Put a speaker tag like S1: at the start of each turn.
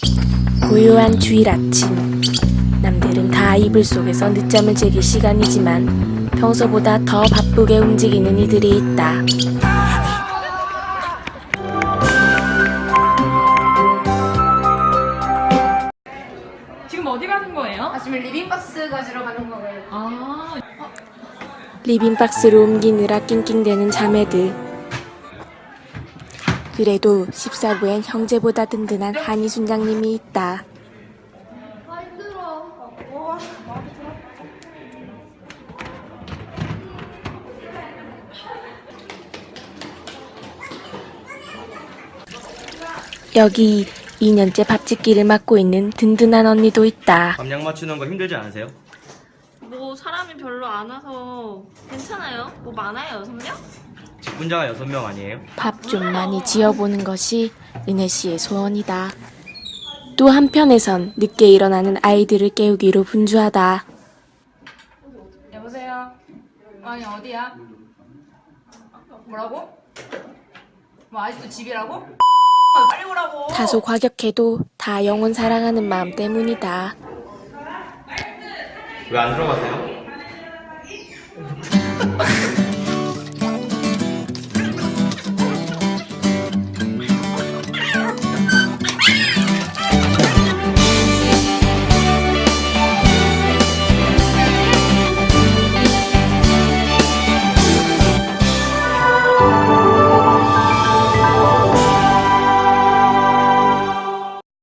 S1: 고요한 주일 아침. 남들은 다 이불 속에서 늦잠을 즐길 시간이지만 평소보다 더 바쁘게 움직이는 이들이 있다.
S2: 지금 어디 가는 거예요?
S3: 지금 리빙박스 가지러 가는 거예요.
S1: 리빙박스로 옮기느라 낑낑대는 자매들. 그래도 14부엔 형제보다 든든한 한희 순장님이 있다.
S3: 힘들어.
S1: 여기 2년째 밥짓기를 맡고 있는 든든한 언니도 있다.
S4: 감량 맞추는 거 힘들지 않으세요?
S5: 뭐 사람이 별로 안 와서 괜찮아요. 뭐 많아요, 6명?
S4: 직분자가 6명 아니에요?
S1: 밥 좀 많이 지어보는 것이 은혜 씨의 소원이다. 또 한편에선 늦게 일어나는 아이들을 깨우기로 분주하다.
S3: 여보세요? 아니 어디야? 뭐라고? 뭐 아직도 집이라고? 빨리 오라고.
S1: 다소 과격해도 다 영혼 사랑하는 마음 때문이다.
S4: 왜 안 들어가세요?